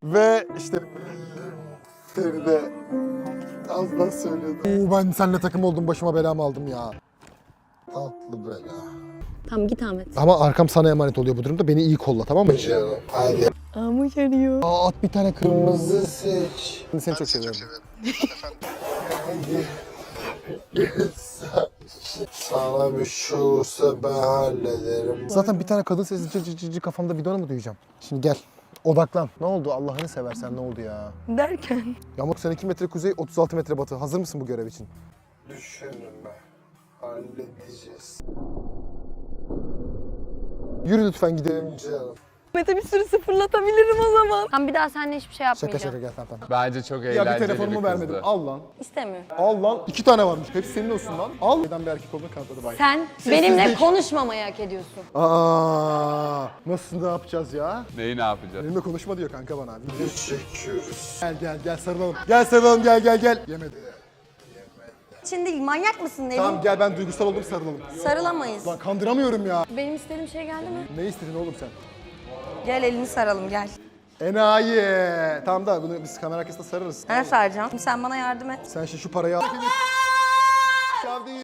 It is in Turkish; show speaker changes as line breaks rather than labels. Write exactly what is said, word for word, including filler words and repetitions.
Ve işte Feride az daha söylüyordu. Oo, ben seninle takım oldum, başıma belamı aldım ya. Tatlı bela.
Tamam git Ahmet.
Ama arkam sana emanet oluyor bu durumda. Beni iyi kolla, tamam mı? Canım. Hadi.
Ahmet arıyor.
Aa, at bir tane kırmızı seç. Seni çok, çok seviyorum. Sana bir şey olursa ben hallederim. Zaten bir tane kadın sesi cır cır cır cır kafamda, bidona mı duyacağım? Şimdi gel. Odaklan. Ne oldu? Allah'ını seversen ne oldu ya?
Derken?
Yamuk sen iki metre kuzey, otuz altı metre batı. Hazır mısın bu görev için? Düşünme. Halledeceğiz. Yürü lütfen gidelim canım.
Ahmet'e bir sürü sıfırlatabilirim o zaman. Tam bir daha seninle hiçbir şey
Şaka
yapmayacağım.
şaka, gel tamam tamam.
Bence çok eğlenceli
Ya bir
bir
telefonumu
kızdı.
vermedim. Al lan.
İstemiyorum.
Al lan. İki tane varmış. Hepsi senin olsun lan. Al. Neden bir erkek olduğunu kanıtladı bay.
Sen benimle konuşmamayı hak ediyorsun.
Aa, nasıl ne yapacağız ya?
Neyi ne yapacağız?
Benimle konuşma diyor kanka bana. Video çekiyoruz. Gel gel gel sarılalım. Gel sarılalım, gel gel gel. Yemedi.
Için değil, manyak mısın Nevin?
Tamam gel, ben duygusal oldum, sarılalım.
Sarılamayız.
Lan kandıramıyorum ya.
Benim istediğim şey geldi mi?
Ne istedin oğlum sen?
Gel elini saralım gel.
Enayi. Tamam da bunu biz kamera arkasında sararız.
Ben saracağım. Sen bana yardım et.
Sen şimdi şu parayı al.